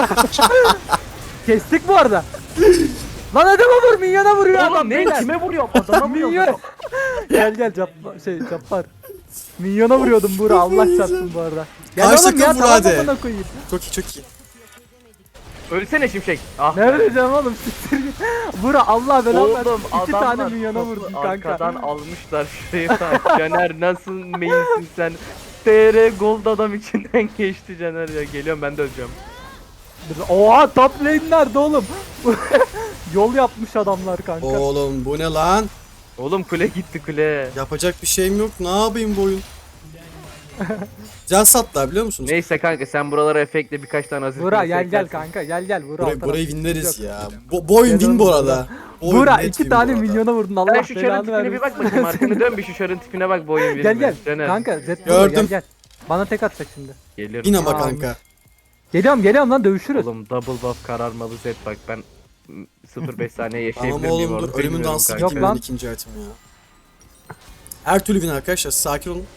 Speaker 2: Kestik bu arada. Lan adama vur, minyona vuruyor adam.
Speaker 3: Oğlum ne?
Speaker 2: beyler.
Speaker 3: Kime vuruyorum? Adama
Speaker 2: Minyon.
Speaker 3: vuruyorum.
Speaker 2: Gel Cappar. Minyona vuruyordum Buğra, Allah çarpsın bu arada. Gel
Speaker 1: Karşı
Speaker 2: oğlum ya,
Speaker 1: takım vur
Speaker 2: tamam
Speaker 1: hadi.
Speaker 2: amına koyayım.
Speaker 1: Çok iyi çok iyi.
Speaker 3: Ölsene şimşek. Ah
Speaker 2: Ne
Speaker 3: be.
Speaker 2: vereceğim oğlum, siktir git. Buğra Allah belanı versin.
Speaker 3: Oğlum
Speaker 2: 2 tane
Speaker 3: adamlar
Speaker 2: minyona
Speaker 3: topu
Speaker 2: vurdum kanka.
Speaker 3: arkadan almışlar şuraya. Caner nasıl mainsin sen? TR Gold adam içinden geçti Caner ya. Geliyorum ben de öleceğim.
Speaker 2: Oha, top lane nerede oğlum? Yol yapmış adamlar kanka.
Speaker 1: Oğlum bu ne lan?
Speaker 3: Oğlum kule gitti kule.
Speaker 1: Yapacak bir şeyim yok. Ne yapayım bu oyun? Can sattılar biliyor musunuz?
Speaker 3: Neyse kanka sen buralara efektle birkaç tane hazır.
Speaker 2: Buğra
Speaker 3: kule
Speaker 2: gel
Speaker 3: eklersin.
Speaker 2: kanka, gel Buğra.
Speaker 1: Burayı
Speaker 2: alt
Speaker 1: winleriz
Speaker 2: taraf.
Speaker 1: ya. Bu oyun
Speaker 2: Gel
Speaker 1: win
Speaker 2: oğlum
Speaker 1: bu
Speaker 2: Buğra.
Speaker 1: arada. Bu oyun
Speaker 2: Buğra
Speaker 1: net
Speaker 2: 2
Speaker 1: win
Speaker 2: tane
Speaker 1: bu arada.
Speaker 2: minyona vurdun, Allah
Speaker 3: Sen şu çarın
Speaker 2: belanı
Speaker 3: tipine bir
Speaker 2: vermesin.
Speaker 3: bak bakayım arkını dön bir şu çarın tipine bak bu oyun verir mi?
Speaker 2: Gel
Speaker 3: Caner.
Speaker 2: kanka, Zed burada,
Speaker 1: Gördüm.
Speaker 2: gel. Bana tek atacak şimdi.
Speaker 3: Geliyorum.
Speaker 1: Win ama
Speaker 2: Tamam.
Speaker 1: kanka.
Speaker 2: Geliyorum lan, dövüşürüz.
Speaker 3: Oğlum double buff kararmalı Z bak ben 0.5 saniye yaşayabilir
Speaker 1: Tamam
Speaker 3: miyim
Speaker 1: oğlum dur
Speaker 3: orada
Speaker 1: ölümün
Speaker 3: bilmiyorum
Speaker 1: dansı
Speaker 3: kanka.
Speaker 2: Yok
Speaker 1: bitmedi
Speaker 2: lan.
Speaker 1: ikinci item ya. Her türlü win arkadaşlar sakin olun.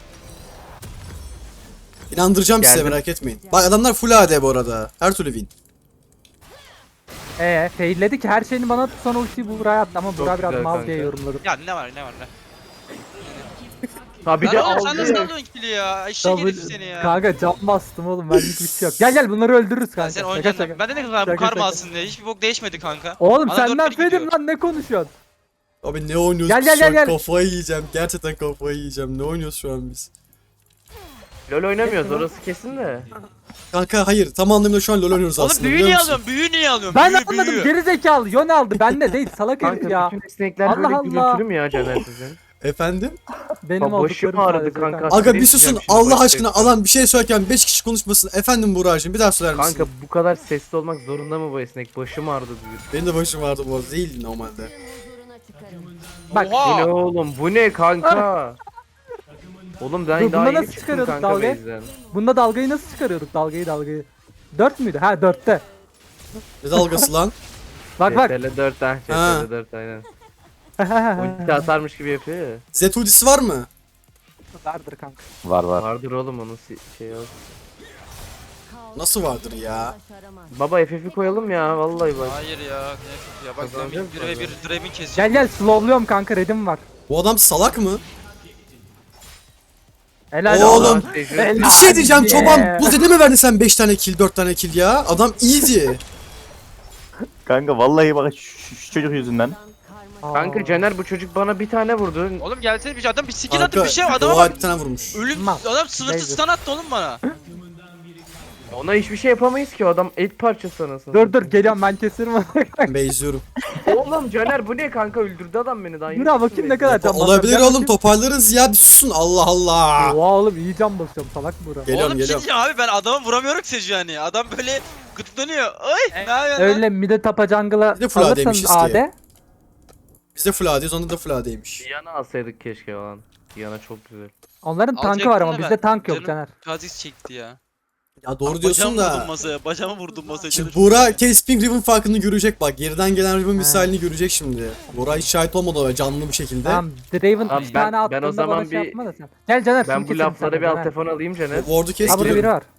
Speaker 1: İnandıracağım size
Speaker 3: Geldim.
Speaker 1: merak etmeyin. Bak adamlar full AD bu arada. Her türlü win.
Speaker 2: Failledi ki her şeyini bana sonra ultiyi Buğra'ya attı ama Buğra biraz
Speaker 3: güzel
Speaker 2: mal
Speaker 3: kanka.
Speaker 2: diye yorumladım.
Speaker 4: Ya ne var ne?
Speaker 3: Ha bir
Speaker 4: Lan
Speaker 3: de
Speaker 4: oğlum sen
Speaker 3: aldı
Speaker 4: nasıl
Speaker 3: ya.
Speaker 4: alıyorsun kili ya? Eşek herif seni ya.
Speaker 2: Kanka can bastım oğlum, benlik bir şey yok. Gel bunları öldürürüz
Speaker 4: Ya
Speaker 2: kanka.
Speaker 4: sen
Speaker 2: Şaka
Speaker 4: oynayacaksın.
Speaker 2: şaka.
Speaker 4: Ben de ne kadar bu
Speaker 2: Şaka
Speaker 4: karma
Speaker 2: şaka.
Speaker 4: alsın diye. Hiçbir bok değişmedi kanka.
Speaker 2: Oğlum
Speaker 4: Bana
Speaker 2: senden
Speaker 4: 4-1 gidiyor.
Speaker 2: fedim lan, ne konuşuyorsun?
Speaker 1: Abi ne oynuyoruz
Speaker 2: Gel,
Speaker 1: biz
Speaker 2: gel,
Speaker 1: şu an?
Speaker 2: gel, gel.
Speaker 1: Kafayı yiyeceğim. Gerçekten kafayı yiyeceğim. Ne oynuyoruz şu an biz?
Speaker 3: LoL oynamıyoruz orası kesin de.
Speaker 1: Kanka hayır tam anlamıyla şu an LoL oynuyoruz
Speaker 4: Oğlum
Speaker 1: aslında
Speaker 4: büyü
Speaker 1: biliyor
Speaker 4: niye
Speaker 1: musun?
Speaker 4: alıyorsun? Büyü niye alıyorsun?
Speaker 2: Ben
Speaker 4: büyü,
Speaker 2: anladım,
Speaker 4: büyü.
Speaker 2: geri zekalı Yon aldı, bende değil salak herif
Speaker 3: Kanka
Speaker 2: ya.
Speaker 3: bütün esnekler
Speaker 2: Allah
Speaker 3: böyle
Speaker 2: Allah.
Speaker 3: gürültülü mü ya Caner sizin?
Speaker 1: Efendim?
Speaker 2: Benim
Speaker 3: Başım
Speaker 2: olduklarım
Speaker 3: ağrıdı
Speaker 2: sadece
Speaker 3: kanka.
Speaker 1: Aga bir
Speaker 3: Direkt
Speaker 1: susun
Speaker 3: diyeceğim şimdi
Speaker 1: Allah
Speaker 3: başta
Speaker 1: aşkına
Speaker 3: hepsi.
Speaker 1: alan bir şey söylerken 5 kişi konuşmasın. Efendim Buğra'cığım bir daha söyler misin?
Speaker 3: Kanka bu kadar sesli olmak zorunda mı bu esnek? Başım ağrıdı diyor.
Speaker 1: Benim de başım vardı bu arada değil normalde.
Speaker 2: Bak,
Speaker 3: Bu ne
Speaker 4: Oha.
Speaker 3: oğlum bu ne kanka? Oğlum ben
Speaker 2: Dur,
Speaker 3: daha
Speaker 2: buna
Speaker 3: yeni
Speaker 2: nasıl
Speaker 3: çıktım
Speaker 2: çıkarıyorduk
Speaker 3: kanka
Speaker 2: dalgayı?
Speaker 3: base'den.
Speaker 2: Bunda dalgayı nasıl çıkarıyorduk, dalgayı? 4 müydü? Ha 4'te.
Speaker 1: Ne dalgası lan?
Speaker 2: Bak
Speaker 3: CTRL 4 ha
Speaker 1: Ha.
Speaker 3: CTRL 4 aynen. Ulti atarmış gibi yapıyor ya.
Speaker 1: Z ultisi var mı?
Speaker 2: Vardır kanka.
Speaker 5: Var.
Speaker 3: Vardır oğlum onun şey yok.
Speaker 1: Nasıl vardır ya?
Speaker 3: Baba FF'i koyalım ya vallahi bak.
Speaker 4: Hayır ya. Ne ya bak ben
Speaker 3: Kazanacağız
Speaker 4: bir ve
Speaker 3: mı?
Speaker 4: bir Draven keseceğim.
Speaker 2: Gel gel slowluyorum kanka, redim var.
Speaker 1: Bu adam salak mı?
Speaker 2: Helal
Speaker 1: Oğlum.
Speaker 2: olsun.
Speaker 1: Bir şey diyeceğim
Speaker 2: Yeah.
Speaker 1: çoban. Bu zede mi verdi sen 5 tane kill 4 tane kill ya? Adam easy.
Speaker 5: Kanka vallahi bak şu çocuk yüzünden.
Speaker 3: Kanka Caner bu çocuk bana bir tane vurdu.
Speaker 4: Oğlum gelsene bir adam bir skill attı
Speaker 1: Kanka
Speaker 4: bir şey adama
Speaker 1: oha
Speaker 4: bak.
Speaker 1: bir tane vurmuş.
Speaker 4: Ölüm
Speaker 2: Tamam.
Speaker 4: adam sınırsız
Speaker 2: Neyse.
Speaker 4: stun attı oğlum bana.
Speaker 3: Ona hiçbir şey yapamayız ki, o adam et parçası anasını.
Speaker 2: Dur geliyorum, ben keserim onu.
Speaker 1: Ben izliyorum.
Speaker 3: Oğlum Caner bu ne kanka, öldürdü adam beni daha.
Speaker 2: Dur abi bakayım ne kadar can basıyorum.
Speaker 1: Olabilir
Speaker 2: Gel
Speaker 1: oğlum,
Speaker 2: bakayım.
Speaker 1: toparlarız ya, bir susun, Allah Allah.
Speaker 2: Oha oğlum iyi can basıyorum, salak Buğra.
Speaker 1: Geliyorum
Speaker 4: Oğlum bir şey
Speaker 1: geliyorum.
Speaker 4: diyeceğim abi ben adama vuramıyorum ki Sejuani. Adam böyle gıtlanıyor. Ay ne yapıyorsun lan?
Speaker 2: Öyle mide tapa jungle'a
Speaker 1: Bir de full AD
Speaker 2: alırsanız
Speaker 1: demişiz ki.
Speaker 2: AD.
Speaker 1: Biz de full AD'yiz, onda da full AD'ymiş.
Speaker 3: Diana alsaydık keşke lan. Diana çok güzel.
Speaker 2: Onların tankı
Speaker 4: Alacaktım
Speaker 2: var ama
Speaker 4: da
Speaker 2: bizde
Speaker 4: ben.
Speaker 2: tank yok
Speaker 4: Canım
Speaker 2: Caner.
Speaker 4: Kha'Zix çekti ya.
Speaker 1: Ya doğru diyorsun
Speaker 4: Bacağımı vurdum
Speaker 1: da.
Speaker 4: masaya. Bacağımı vurdum masaya.
Speaker 1: Şimdi Buğra Casping Riven farkını görecek bak. Geriden gelen Riven misalini görecek şimdi. Buğra hiç şahit olmadı o canlı bir şekilde.
Speaker 2: Tamam Draven
Speaker 3: Abi
Speaker 2: 3
Speaker 3: ben-
Speaker 2: tane
Speaker 3: ben o
Speaker 2: attığında
Speaker 3: zaman
Speaker 2: bana şey
Speaker 3: bir-
Speaker 2: yapma da sen. Gel Caner
Speaker 3: Ben
Speaker 2: şunu
Speaker 3: bu
Speaker 2: keselim
Speaker 3: laflara
Speaker 2: seninle,
Speaker 3: bir alt
Speaker 2: Caner.
Speaker 3: telefon alayım Caner.
Speaker 1: O ward'u kes
Speaker 2: Ha burada biri
Speaker 1: geliyorum.
Speaker 2: var.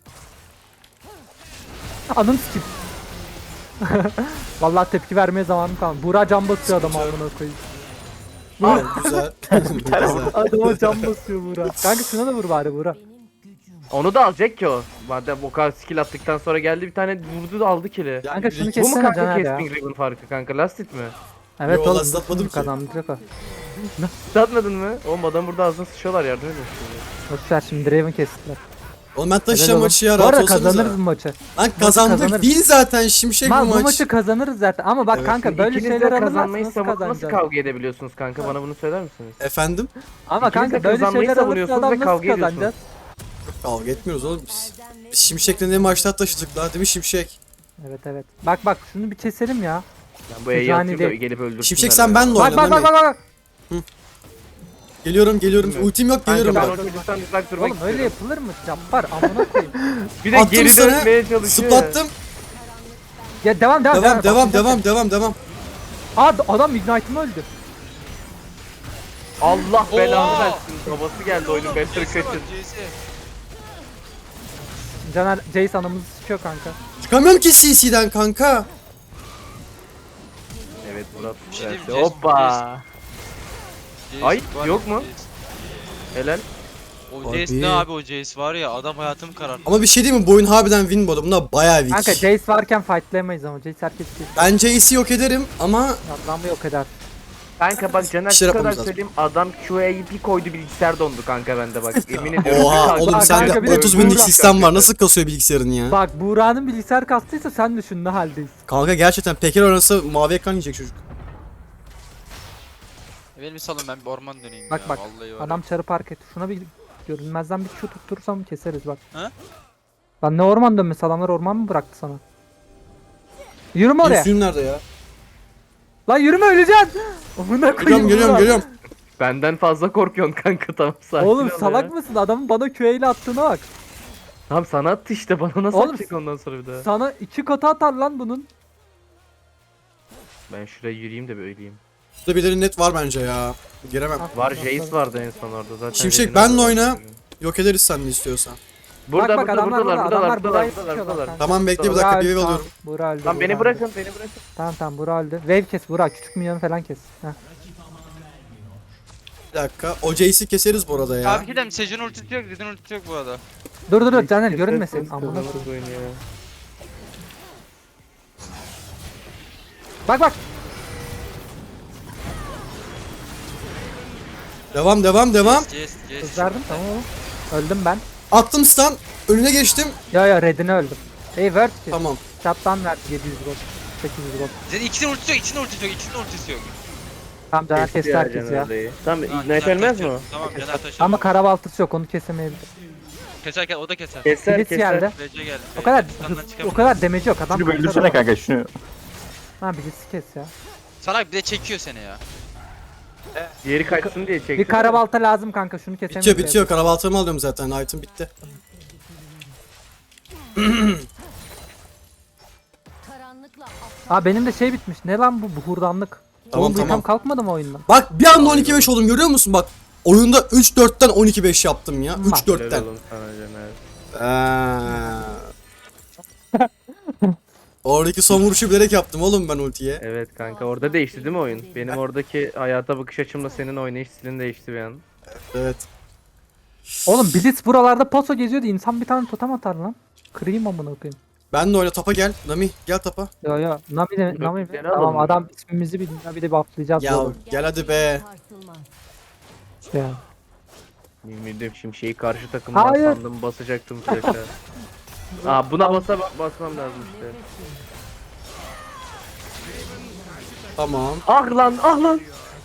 Speaker 2: Anım skip. Vallahi tepki vermeye zamanım kalmadı. Buğra can basıyor adama amına koyayım.
Speaker 1: Ha, güzel. güzel.
Speaker 2: Adama can basıyor Buğra. Kanka şuna da vur bari Buğra.
Speaker 3: Onu da alacak ki o. Madem o kadar skill attıktan sonra geldi bir tane vurdu da aldı kill'i.
Speaker 2: Kanka şunu
Speaker 3: Bu mu
Speaker 2: kessene
Speaker 3: kanka
Speaker 2: Caner ya.
Speaker 3: Casting Ribbon farkı kanka, Lastit mi?
Speaker 2: Evet
Speaker 1: Yo,
Speaker 2: oğlum
Speaker 1: last atmadım ki.
Speaker 2: kazandıracak o.
Speaker 3: Satmadın mı? Oğlum adam burada ağzına sıçıyorlar, yardım edin.
Speaker 2: Boşver şimdi Draven kestiler.
Speaker 1: Oğlum ben
Speaker 2: Helal
Speaker 1: taşıyacağım
Speaker 2: oğlum.
Speaker 1: maçı ya,
Speaker 2: Bu
Speaker 1: rahat
Speaker 2: arada
Speaker 1: olsanıza.
Speaker 2: kazanırız bu maçı.
Speaker 1: Lan kazandık
Speaker 2: kazanırız.
Speaker 1: değil zaten, şimşek bu
Speaker 2: Bu
Speaker 1: maç.
Speaker 2: maçı kazanırız zaten ama bak
Speaker 1: Evet.
Speaker 2: kanka böyle
Speaker 3: İkiniz de
Speaker 2: şeyler
Speaker 3: kazanmayı
Speaker 2: alırsanız
Speaker 3: savunup nasıl
Speaker 2: kazanacağız.
Speaker 3: kavga edebiliyorsunuz kanka, bana bunu söyler misiniz?
Speaker 1: Efendim?
Speaker 2: Ama
Speaker 3: İkiniz de
Speaker 2: kanka böyle
Speaker 3: kazanmayı
Speaker 2: şeyler alırsa
Speaker 3: savunuyorsunuz
Speaker 2: adam
Speaker 3: ve
Speaker 2: nasıl
Speaker 3: kavga ediyorsunuz.
Speaker 2: kazanacağız?
Speaker 1: Kavga etmiyoruz oğlum biz. Biz Şimşek'le ne maçlar taşıdık la, değil mi Şimşek?
Speaker 2: Evet. Bak şunu bir keselim ya.
Speaker 3: Ben bu E'yi
Speaker 2: Sejuani
Speaker 3: atayım da
Speaker 2: değil.
Speaker 3: gelip öldürsünler.
Speaker 1: Şimşek sen
Speaker 3: beni.
Speaker 1: benle
Speaker 2: Bak
Speaker 1: oyna.
Speaker 2: bak
Speaker 1: Mami.
Speaker 2: bak.
Speaker 1: Geliyorum.
Speaker 3: Bilmiyorum.
Speaker 1: Ultim yok,
Speaker 3: Kanka
Speaker 1: geliyorum
Speaker 3: ben
Speaker 1: bak.
Speaker 3: o çocuktan uzak durmak
Speaker 2: Oğlum öyle
Speaker 3: istiyorum.
Speaker 2: yapılır mı? Cabbar amına koyayım.
Speaker 3: Bir de
Speaker 1: Attım
Speaker 3: geri
Speaker 1: sana,
Speaker 3: dönmeye çalışıyor.
Speaker 1: Zıplattım.
Speaker 2: Ya devam.
Speaker 1: Devam.
Speaker 2: Aa adam Ignite'ımı öldü.
Speaker 3: Allah belanı
Speaker 4: Oo!
Speaker 3: versin. Babası geldi oyunun Better kaçın.
Speaker 2: Caner Jace anamızı sıkıyor kanka.
Speaker 1: Çıkamıyorum ki CC'den kanka.
Speaker 3: Evet Murat.
Speaker 4: Bir şey diyeyim,
Speaker 3: verdi. Hoppa. Ay, yok mu? Helal.
Speaker 4: O
Speaker 1: Abi.
Speaker 4: Jace ne abi, o Jace var ya adam hayatımı kararttı.
Speaker 1: Ama bir şey değil mi? Bu oyun harbiden win bu arada. Bunlar bayağı weak.
Speaker 2: Kanka Jace varken fightlayamayız ama Jace herkes kesiyor.
Speaker 1: Ben Jace'i yok ederim ama
Speaker 2: Adamı yok eder.
Speaker 3: Kanka bak Caner
Speaker 1: Bir şey
Speaker 3: şu kadar
Speaker 1: yapmamız lazım.
Speaker 3: söyleyeyim, adam QA'yı bir koydu bilgisayar dondu kanka bende bak, yemin ediyorum.
Speaker 1: oha
Speaker 3: Kanka,
Speaker 1: oğlum
Speaker 2: Kanka,
Speaker 1: sende
Speaker 2: bir de
Speaker 1: 30 binlik
Speaker 2: Buğra
Speaker 1: sistem var. Nasıl kasıyor bilgisayarın ya?
Speaker 2: Bak Buğra'nın bilgisayar kastıysa sen düşün ne haldeyiz.
Speaker 1: Kanka gerçekten Peker oynasa mavi ekran yiyecek çocuk.
Speaker 4: Benim bir salın, ben bir orman döneyim
Speaker 2: Bak
Speaker 4: ya.
Speaker 2: bak
Speaker 4: Vallahi var.
Speaker 2: adam çarı park etti. Şuna bir görünmezden bir Q tutturursam keseriz bak.
Speaker 4: Ha?
Speaker 2: Lan ne orman dönmesi, adamlar orman mı bıraktı sana? Yürüme oraya.
Speaker 1: Suyum nerede ya?
Speaker 2: Lan yürüme, öleceksin. Amına koyayım. Buğra.
Speaker 1: Geliyorum.
Speaker 3: Benden fazla korkuyorsun kanka, tamam sakin
Speaker 2: Oğlum
Speaker 3: ol
Speaker 2: salak
Speaker 3: ya.
Speaker 2: mısın? Adamın bana Q ile attığına bak.
Speaker 3: Tamam sana attı işte, bana nasıl
Speaker 2: Oğlum,
Speaker 3: atacak ondan sonra bir daha.
Speaker 2: Sana 2 katı atar lan bunun.
Speaker 3: Ben şuraya yürüyeyim de bir öleyim.
Speaker 1: Burada birileri net var bence ya. Giremem.
Speaker 3: Var Jace vardı en son orada zaten.
Speaker 1: Şimşek,
Speaker 3: Red'ini
Speaker 1: benle
Speaker 3: aldı.
Speaker 1: oyna. Yok ederiz sen de istiyorsan.
Speaker 3: Burada
Speaker 2: bak, adamlar
Speaker 3: buradalar
Speaker 2: Burayı
Speaker 3: buradalar
Speaker 2: sıkıyorlar
Speaker 3: buradalar.
Speaker 2: kanka.
Speaker 1: Tamam bekle bir
Speaker 2: Buğra
Speaker 1: dakika,
Speaker 2: öldü,
Speaker 1: bir wave
Speaker 2: tamam.
Speaker 1: alıyorum.
Speaker 2: Buğra öldü.
Speaker 3: Lan
Speaker 2: Buğra
Speaker 3: beni
Speaker 2: öldü.
Speaker 3: bırakın, beni bırakın.
Speaker 2: Tamam Buğra öldü. Wave kes Buğra, küçük minyonu falan kes. Heh.
Speaker 1: Bir dakika. O Jace'i keseriz bu arada ya.
Speaker 4: Abi gidelim, Sejuani ultisi yok, Zed'in ultisi yok bu arada.
Speaker 2: Dur Caner
Speaker 3: Kes,
Speaker 2: görünmesin.
Speaker 3: kes,
Speaker 2: Amına
Speaker 3: kes,
Speaker 2: koyayım.
Speaker 3: oyun ya.
Speaker 2: Bak.
Speaker 1: Devam.
Speaker 4: Jace.
Speaker 2: Kızardım tamam oğlum. Öldüm ben.
Speaker 1: Attım stun. Önüne geçtim.
Speaker 2: Ya redine öldüm. Word ki.
Speaker 1: Tamam.
Speaker 2: Çaptan ver 700 gold. 800 gold.
Speaker 4: Zed'in ikisinin ultisi yok, ikisinin ultisi yok.
Speaker 2: Tamam Caner kesti
Speaker 3: ya
Speaker 2: herkes
Speaker 3: Caner
Speaker 2: ya.
Speaker 3: orayı. Tamam
Speaker 4: Ha,
Speaker 3: Ignite
Speaker 4: Caner
Speaker 3: ölmez mi
Speaker 4: taşıyor.
Speaker 3: o?
Speaker 4: Tamam Caner taşıyor.
Speaker 2: Ama karabaltısı yok, onu kesemeyebilir.
Speaker 4: Keserken o da keser.
Speaker 3: Keser
Speaker 2: Blitz geldi.
Speaker 4: RC geldi.
Speaker 2: O kadar
Speaker 4: Standdan çıkamıyor.
Speaker 2: o kadar damage yok adam.
Speaker 5: Şunu böldürsene kanka şunu.
Speaker 2: Ha Blitz'i kes ya.
Speaker 4: Salak bir de çekiyor seni ya.
Speaker 3: Diğeri kaçsın diye çekti.
Speaker 2: Bir karabalta lazım kanka, şunu kesemeyiz.
Speaker 1: Bitiyor. Karabaltamı alıyorum zaten. Item bitti.
Speaker 2: Aa benim de şey bitmiş. Ne lan bu buhurdanlık?
Speaker 1: Tamam,
Speaker 2: Oğlum bu item
Speaker 1: tamam.
Speaker 2: kalkmadı mı oyundan?
Speaker 1: Bak bir anda 12-5 oldum, görüyor musun? Bak oyunda 3-4'ten 12-5 yaptım ya.
Speaker 2: Bak.
Speaker 1: 3-4'ten.
Speaker 3: Helal olsun sana Caner.
Speaker 1: Oradaki son vuruşu bilerek yaptım oğlum ben ultiye.
Speaker 3: Evet kanka orada değişti değil mi oyun? Benim oradaki hayata bakış açımla senin oynayış stilin değişti bir an.
Speaker 1: Evet.
Speaker 2: Oğlum Blitz buralarda paso geziyordu. İnsan bir tane totem atar lan. Kırayım amına koyayım.
Speaker 1: Ben de oyna tapa gel. Nami gel tapa.
Speaker 2: Yo Nami de Nami.
Speaker 3: Gene
Speaker 2: Tamam
Speaker 3: alalım.
Speaker 2: adam ismimizi bilmiyor bir de bufflayacağız
Speaker 1: Ya
Speaker 2: oğlum.
Speaker 1: gel hadi be.
Speaker 2: Ya.
Speaker 3: Yemin ediyorum şimşeği karşı takımdan
Speaker 2: Hayır.
Speaker 3: sandım basacaktım flash'a. Aa buna basmam lazım işte.
Speaker 1: Tamam.
Speaker 3: Ah lan.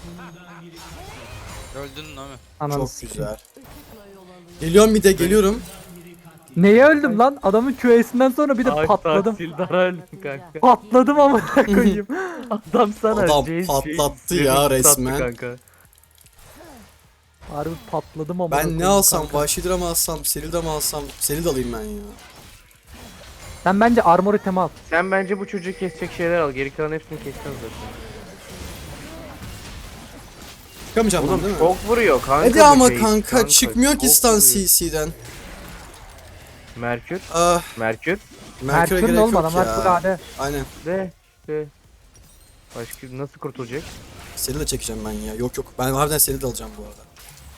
Speaker 4: Öldün değil mi?
Speaker 2: Ananı
Speaker 1: Çok
Speaker 2: sikeyim.
Speaker 1: güzel. Geliyorum bir de geliyorum.
Speaker 2: Neye öldüm lan? Adamın QA'sinden sonra bir de patladım.
Speaker 3: Sildara öldüm kanka.
Speaker 2: Patladım amına koyayım.
Speaker 3: Adam sana
Speaker 1: Adam
Speaker 3: Jace
Speaker 1: patlattı
Speaker 3: Jace
Speaker 1: ya
Speaker 3: sattı
Speaker 1: resmen.
Speaker 3: Kanka.
Speaker 2: Harbi patladım amına
Speaker 1: Ben
Speaker 2: koyayım
Speaker 1: ne alsam?
Speaker 2: kanka.
Speaker 1: Vahşi mı alsam? Selida mı alsam? Selida alayım ben ya.
Speaker 2: Sen bence armor item al.
Speaker 3: Sen bence bu çocuğu kesecek şeyler al. Geri kalan hepsini keseceğiz zaten.
Speaker 1: Çıkamayacağım ben
Speaker 3: Oğlum
Speaker 1: değil mi?
Speaker 3: çok vuruyor kanka.
Speaker 1: Hadi
Speaker 3: bu
Speaker 1: ama
Speaker 3: Jace,
Speaker 1: kanka çıkmıyor ki
Speaker 3: çok
Speaker 1: stun
Speaker 3: vuruyor.
Speaker 1: CC'den.
Speaker 3: Merkür.
Speaker 1: Ah,
Speaker 3: Merkür.
Speaker 1: Merkür'e
Speaker 2: Merkür
Speaker 1: gerek
Speaker 2: ne oğlum
Speaker 1: yok
Speaker 2: adamlar
Speaker 1: ya.
Speaker 2: full AD.
Speaker 1: Aynen.
Speaker 3: De. Başka nasıl kurtulacak?
Speaker 1: Selida çekeceğim ben ya. Yok ben harbiden Selida alacağım bu arada.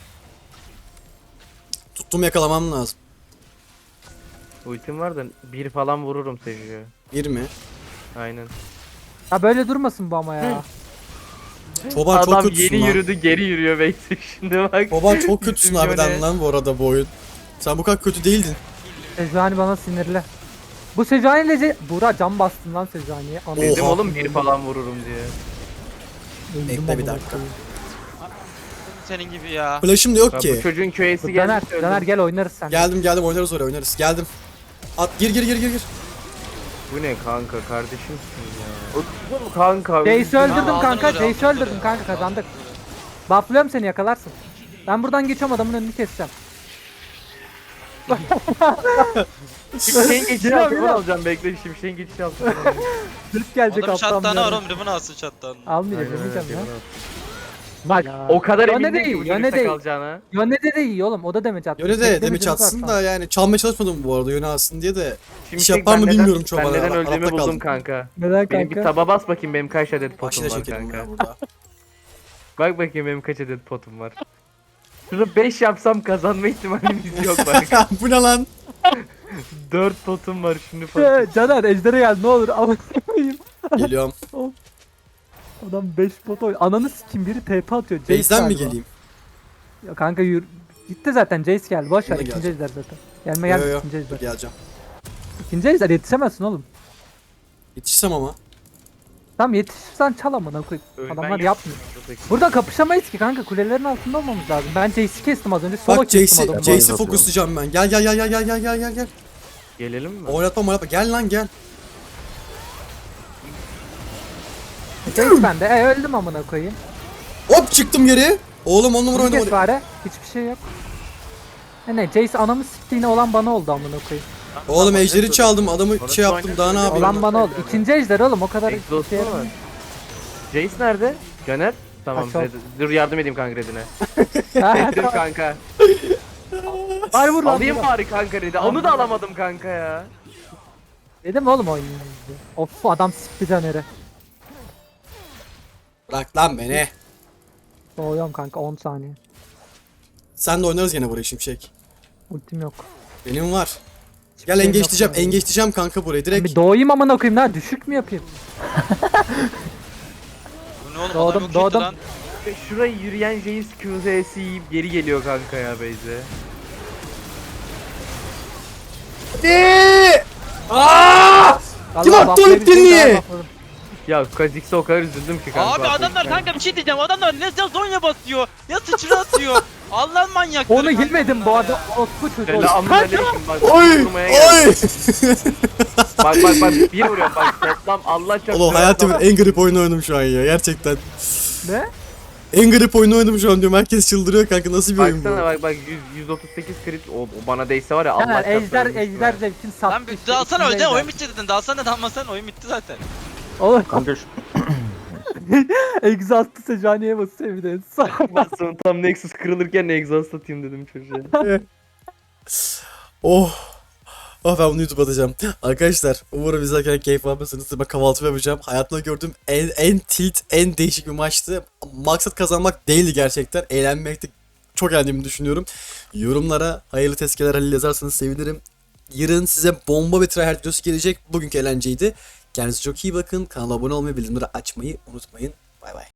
Speaker 1: Tuttum yakalamam lazım.
Speaker 3: Ultim var da bir falan vururum Seju'ya.
Speaker 1: Bir mi?
Speaker 3: Aynen.
Speaker 2: Ha böyle durmasın bu ama ya.
Speaker 1: Çoban çok
Speaker 3: Adam
Speaker 1: kötüsün
Speaker 3: yeni
Speaker 1: lan.
Speaker 3: yürüdü geri yürüyor Beyzik şimdi bak.
Speaker 1: Çoban çok kötüsün
Speaker 3: Bizim
Speaker 1: harbiden
Speaker 3: Yone-
Speaker 1: lan bu arada bu oyun. Sen bu kadar kötü değildin.
Speaker 2: Sejuani bana sinirli. Bu Sejuani ile Buğra cam bastın lan Sejuani'ye. Anladım.
Speaker 3: Dedim
Speaker 1: Oha.
Speaker 3: oğlum bir falan vururum diye.
Speaker 2: Öldüm
Speaker 1: Bekle bir
Speaker 2: amına
Speaker 1: dakika.
Speaker 2: koyayım.
Speaker 4: Senin gibi ya.
Speaker 1: Flash'ım da yok
Speaker 3: Bak,
Speaker 1: ki.
Speaker 3: bu çocuğun köyesi
Speaker 2: Dur, Caner,
Speaker 3: geldi.
Speaker 2: Caner gel oynarız sen.
Speaker 1: Geldim oynarız oraya oynarız. Geldim. At gir.
Speaker 3: Bu ne kanka kardeşimsin ya. Oğlum kanka.
Speaker 2: Jace'i öldürdüm
Speaker 4: Aldın
Speaker 2: kanka.
Speaker 4: oraya,
Speaker 2: Jace'i
Speaker 4: aldın
Speaker 2: öldürdüm
Speaker 4: oraya.
Speaker 2: kanka kazandık. Bufflıyorum seni yakalarsın. Ben buradan geçiyorum adamın önünü keseceğim.
Speaker 3: Şimşeğin geçişi
Speaker 2: Geliyor,
Speaker 3: altına
Speaker 2: geliyor.
Speaker 3: alacağım bekle şimşeğin geçişi altına.
Speaker 2: Dürüst gelecek
Speaker 4: Adam
Speaker 2: alttan.
Speaker 4: şattanı
Speaker 2: bir
Speaker 4: var
Speaker 2: yerden.
Speaker 4: oğlum. Ribbon alsın şattanı.
Speaker 2: Almayacağım yemeyeceğim ya.
Speaker 3: Bak
Speaker 2: Ya.
Speaker 3: o kadar
Speaker 2: Yone
Speaker 3: emindim
Speaker 2: değil,
Speaker 3: ki bu
Speaker 2: Yone
Speaker 3: çocukta
Speaker 2: değil.
Speaker 3: kalacağına.
Speaker 2: Yöne de iyi oğlum o da damage attı.
Speaker 1: Yöne de
Speaker 2: Tek
Speaker 1: demeç
Speaker 2: damage'imiz var
Speaker 1: atsın
Speaker 2: şu
Speaker 1: da
Speaker 2: an.
Speaker 1: yani çalmaya çalışmadım bu arada yöne alsın diye de.
Speaker 3: Şimşek
Speaker 1: yapar mı
Speaker 3: ben
Speaker 1: bilmiyorum
Speaker 3: neden-
Speaker 1: çoban.
Speaker 3: Ben neden
Speaker 1: Arada
Speaker 3: öldüğümü
Speaker 1: kaldım.
Speaker 3: buldum kanka.
Speaker 2: Neden
Speaker 3: Benim bir
Speaker 2: kanka?
Speaker 3: taba bas bakayım benim kaç adet potum
Speaker 1: Başına
Speaker 3: var
Speaker 1: çekelim
Speaker 3: kanka.
Speaker 1: ya burada.
Speaker 3: Bak bakayım benim kaç adet potum var. Şurada 5 yapsam kazanma ihtimalimiz yok bak.
Speaker 1: Bu ne lan?
Speaker 3: 4 potum var şimdi falan.
Speaker 2: Caner ejdere gel ne olur ama koyayım.
Speaker 1: Geliyorum.
Speaker 2: Adam 5 pot oynuyor. Ananı sikim biri TP atıyor. Jace
Speaker 1: Base'den mi
Speaker 2: galiba.
Speaker 1: geleyim?
Speaker 2: Ya kanka yürü. Gitti zaten Jace geldi. Boş ver
Speaker 1: Buna
Speaker 2: ikinci
Speaker 1: geleceğim.
Speaker 2: ejder zaten. Gelme gel
Speaker 1: Yo,
Speaker 2: ikinci ejder.
Speaker 1: Geleceğim.
Speaker 2: İkinci ejder yetişemezsin oğlum.
Speaker 1: Yetişsem ama.
Speaker 2: Tamam yetişirsen çal amına koy.
Speaker 3: Ölmen
Speaker 2: Adamlar
Speaker 3: yok.
Speaker 2: yapmıyor. Burada kapışamayız ki kanka kulelerin altında olmamız lazım. Ben Jace'i kestim az önce. Solo
Speaker 1: Bak
Speaker 2: kestim adamı.
Speaker 1: Jace'i fokuslayacağım ben. Gel.
Speaker 3: Gelelim mi?
Speaker 1: Oynatma. Gel lan gel.
Speaker 2: Jace bende. Öldüm amına koyayım.
Speaker 1: Hop çıktım geri. Oğlum on numara
Speaker 2: Bunu kes
Speaker 1: oyna.
Speaker 2: bari. Hiçbir şey yok. Ne Jace anamı siktiğine olan bana oldu amına koyayım.
Speaker 1: Oğlum ejderi çaldım adamı
Speaker 3: Orası
Speaker 1: şey yaptım daha ne
Speaker 3: oynatıyor.
Speaker 1: yapayım?
Speaker 2: Olan bana oldu. İkinci ejder oğlum o kadar
Speaker 3: Exhaust
Speaker 2: şey
Speaker 3: mu var? Jace nerede? Caner? Tamam
Speaker 2: Kaç oldu?
Speaker 3: dur yardım edeyim kanka Red'ine.
Speaker 2: Ha,
Speaker 3: Dur kanka.
Speaker 2: Bari vur lan.
Speaker 3: Alayım
Speaker 2: vur.
Speaker 3: bari kanka Red'i. Onu da alamadım kanka ya.
Speaker 2: Dedim oğlum oynayayım diye. Of adam sikti Caner'i.
Speaker 1: Bırak lan beni.
Speaker 2: Doğuyorum kanka 10 saniye.
Speaker 1: Sen de oynarız gene burayı Şimşek.
Speaker 2: Ultim yok.
Speaker 1: Benim var.
Speaker 2: Hiçbir
Speaker 1: Gel
Speaker 2: şeyim
Speaker 1: engeçleyeceğim.
Speaker 2: yok yani.
Speaker 1: Engeçleyeceğim kanka burayı
Speaker 2: Bir
Speaker 1: direkt.
Speaker 2: doğayım amına koyayım lan düşük mü yapayım?
Speaker 4: Bu ne oğlum?
Speaker 2: Doğdum,
Speaker 4: Adam yok
Speaker 2: doğdum.
Speaker 4: lan.
Speaker 3: Şurayı yürüyen Jace QZ'si yiyip geri geliyor kanka ya Beyze.
Speaker 1: Kim
Speaker 2: Allah
Speaker 1: attı
Speaker 2: bufflayabilseydim
Speaker 1: ultini?
Speaker 2: daha buffladım.
Speaker 3: Ya Kha'Zix'e o kadar üzüldüm ki kanka.
Speaker 4: Abi adamlar kanka bir şey diyeceğim. Adamlar ne Zonya basıyor. Ya sıçra atıyor. Allah'ın manyakları.
Speaker 2: Onu
Speaker 4: kanka
Speaker 2: yemedim bu
Speaker 4: bunlar
Speaker 2: arada.
Speaker 4: ya.
Speaker 2: Ospu çocuğu.
Speaker 3: Selamünaleyküm bak.
Speaker 1: Oy!
Speaker 3: Vurmaya geldim.
Speaker 1: Oy!
Speaker 3: Bak bir vuruyorum bak toplam Allah çarpsın.
Speaker 1: Oğlum hayatımın en garip oyunu oynadım şu an ya gerçekten.
Speaker 2: Ne?
Speaker 1: En garip oyunu oynadım şu an diyorum. Herkes çıldırıyor kanka nasıl bir oyun bu?
Speaker 3: Baksana bak 138 crit o bana değse var ya Allah
Speaker 2: Caner
Speaker 3: çarpsın.
Speaker 2: ejder
Speaker 3: ölmüştüm
Speaker 2: ejder
Speaker 3: ben.
Speaker 2: zevkin sattı.
Speaker 4: Lan bir
Speaker 2: işte,
Speaker 4: dalsana
Speaker 2: ikinci
Speaker 4: öyle
Speaker 2: ejder.
Speaker 4: oyun bitti dedin. Dalsana dalmasan oyun bitti zaten.
Speaker 2: Oğlum
Speaker 5: Kanka şu
Speaker 2: egzastı Sejuani'ye basıyor bir de.
Speaker 3: Bastım tam Nexus kırılırken exhaust atayım dedim çocuğa.
Speaker 1: Oh. Oh ben bunu YouTube'a atacağım. Arkadaşlar umarım izlerken keyif almışsınızdır. Ben kahvaltı yapacağım. Hayatımda gördüğüm en tilt, en değişik bir maçtı. Maksat kazanmak değildi gerçekten. Eğlenmekti. Çok eğlendiğimi düşünüyorum. Yorumlara hayırlı tezkeler Halil yazarsanız sevinirim. Yarın size bomba bir tryhard videosu gelecek. Bugünkü eğlenceydi. Kendinize çok iyi bakın. Kanala abone olmayı, bildirimleri açmayı unutmayın. Bay bay.